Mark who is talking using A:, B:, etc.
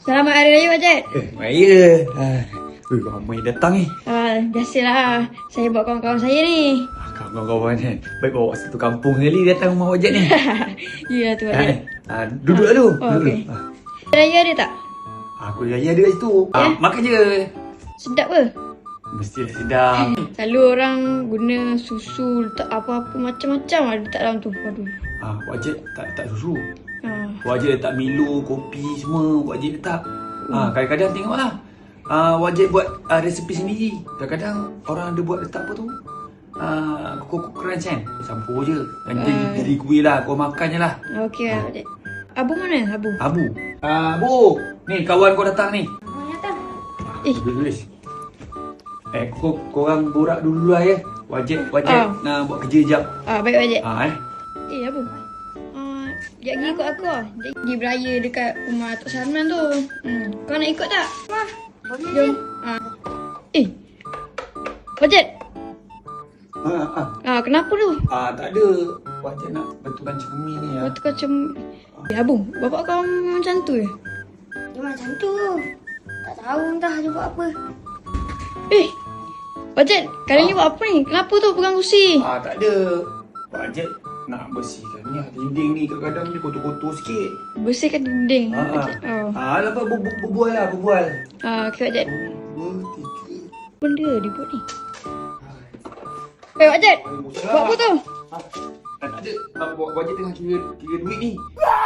A: Selamat Hari Raya, Pak Jad.
B: Raya. Ramai datang ni.
A: Biasalah. Saya bawa kawan-kawan saya ni.
B: Kawan-kawan kan. Baik bawa satu kampung sekali datang rumah Wajat ni.
A: Ya tu, Pak Jad.
B: Duduk dulu.
A: Okey. Raya ada tak?
B: Aku raya ada kat situ. Makan je.
A: Sedap ke?
B: Mestilah sedap.
A: Selalu orang guna susu, letak apa-apa macam-macam ada letak dalam tu. Aduh.
B: Wajat tak susu. Wajat letak Milo, kopi semua Wajat letak. Kadang-kadang tengoklah. Wajat buat resepi sendiri. Kadang-kadang orang ada buat letak apa tu? Koko crunch kan. Campur je. Jadi kuih lah. Kau makan je lah.
A: Okey lah, Pak Jad. Abu mana? Abu.
B: Bu. Ni kawan kau datang ni.
A: Datang.
B: Tulis. Korang borak dulu lah ya. Wajat nak buat kerja jap.
A: Baik, Pak Jad. Abu. Sekejap lagi ikut aku lah. Dia pergi beraya dekat rumah Tok Salman tu. Kau nak ikut tak?
C: Boleh.
A: Jom. Pak Jad. Kenapa tu?
B: Tak ada. Wajat nak betulkan cermin ni ya.
A: Waktu kau Abu, bapak kau macam tu je?
C: Dia macam tu. Tak tahu entah dia buat apa.
A: Pak Jad, kali ni buat apa ni? Kenapa tu pegang kursi?
B: Tak ada. Wajat nak bersihkan ni dinding ni. Kadang-kadang dia kotor-kotor sikit.
A: Bersihkan dinding.
B: Lepas berbual lah.
A: Okey, Pak Jad.
B: 2, 3.
A: Benda dia buat ni. Pak Jad, buat apa tu?
B: Tak ada. Wajat tengah kira duit ni.